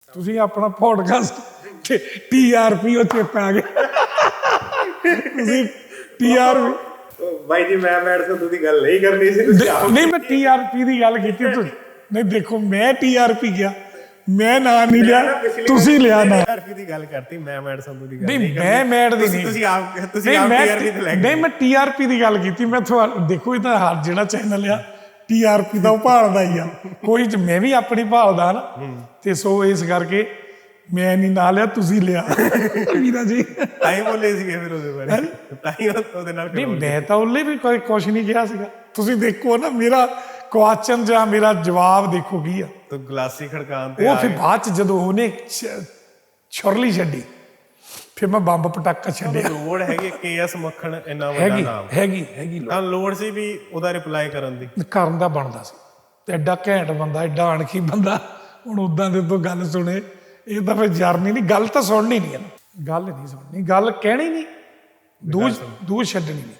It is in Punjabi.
ਤੁਸੀਂ ਆਪਣਾ ਪੋਡਕਾਸਟ TRP ਉਹ ਚਿੱਪ ਆ ਗਿਆ ਤੁਸੀਂ TRP ਬਾਈ ਜੀ ਮੈਂ ਮੈਡ ਸੰਧੂ ਦੀ ਗੱਲ ਨਹੀਂ ਕਰਨੀ ਸੀ ਤੁਸੀਂ ਆਪ ਨਹੀਂ ਮੈਂ TRP ਦੀ ਗੱਲ ਕੀਤੀ ਤੁਸੀਂ ਨਹੀਂ ਦੇਖੋ ਮੈਂ TRP ਗਿਆ ਮੈਂ ਨਾਂ ਨਹੀਂ ਲਿਆ ਤੁਸੀਂ ਲਿਆ ਨਾ TRP ਦੀ ਗੱਲ ਕਰਤੀ ਮੈਂ ਮੈਡ ਸੰਧੂ ਦੀ ਗੱਲ ਨਹੀਂ ਮੈਂ ਮੈਡ ਦੀ ਨਹੀਂ ਤੁਸੀਂ ਆਪ TRP ਤੇ ਲੈ ਨਹੀਂ ਮੈਂ TRP ਦੀ ਗੱਲ ਕੀਤੀ ਮੈਂ ਤੁਹਾਨੂੰ ਦੇਖੋ ਇਹ ਤਾਂ ਹਰ ਜਿਹੜਾ ਚੈਨਲ ਆ TRP ਦਾ ਉਹ ਭਾਲਦਾ ਹੀ ਆ ਕੋਈ ਮੈਂ ਵੀ ਆਪਣੀ ਭਾਲਦਾ ਨਾ ਤੇ ਸੋ ਇਸ ਕਰਕੇ ਮੈਂ ਨਹੀਂ ਨਾ ਲਿਆ ਤੁਸੀਂ ਲਿਆ ਵੀਰਾ ਜੀ ਤਾਂ ਹੀ ਬੋਲੇ ਸੀਗੇ ਫਿਰ ਉਹਦੇ ਬਾਰੇ ਤਾਂ ਹੀ ਉਹਦੇ ਨਾਲ ਨਹੀਂ ਮੈਂ ਤਾਂ ਉਹਲੇ ਵੀ ਕੋਈ ਕੁਛ ਨਹੀਂ ਕਿਹਾ ਸੀਗਾ ਤੁਸੀਂ ਦੇਖੋ ਨਾ ਮੇਰਾ ਕੁਐਸਚਨ ਜਾਂ ਮੇਰਾ ਜਵਾਬ ਦੇਖੋ ਕੀ ਆ ਤੂੰ ਗਲਾਸੀ ਖੜਕਾਉਣ ਤੇ ਉਹ ਫਿਰ ਬਾਅਦ ਚ ਜਦੋਂ ਉਹਨੇ ਛੁਰਲੀ ਛੱਡੀ ਫਿਰ ਮੈਂ ਬੰਬ ਪਟਾਕਾ ਛੱਡਿਆ ਲੋੜ ਹੈਗੀ KS ਮੱਖਣ ਇੰਨਾ ਵੱਡਾ ਨਾਮ ਹੈਗੀ ਤਾਂ ਲੋੜ ਸੀ ਵੀ ਉਹਦਾ ਰਿਪਲਾਈ ਕਰਨ ਦੀ ਕਰਨ ਦਾ ਬਣਦਾ ਸੀ ਤੇ ਐਡਾ ਘੈਂਟ ਬੰਦਾ ਐਡਾ ਅਣਖੀ ਬੰਦਾ ਹੁਣ ਉਦਾਂ ਦੇ ਤੋਂ ਗੱਲ ਸੁਣੇ ਇਹ ਤਾਂ ਫਿਰ ਜਰਨੀ ਨਹੀਂ ਗੱਲ ਤਾਂ ਸੁਣਨੀ ਨਹੀਂ ਗੱਲ ਨਹੀਂ ਸੁਣਨੀ ਗੱਲ ਕਹਿਣੀ ਨਹੀਂ ਦੂਜ ਛੱਡਣੀ ਨਹੀਂ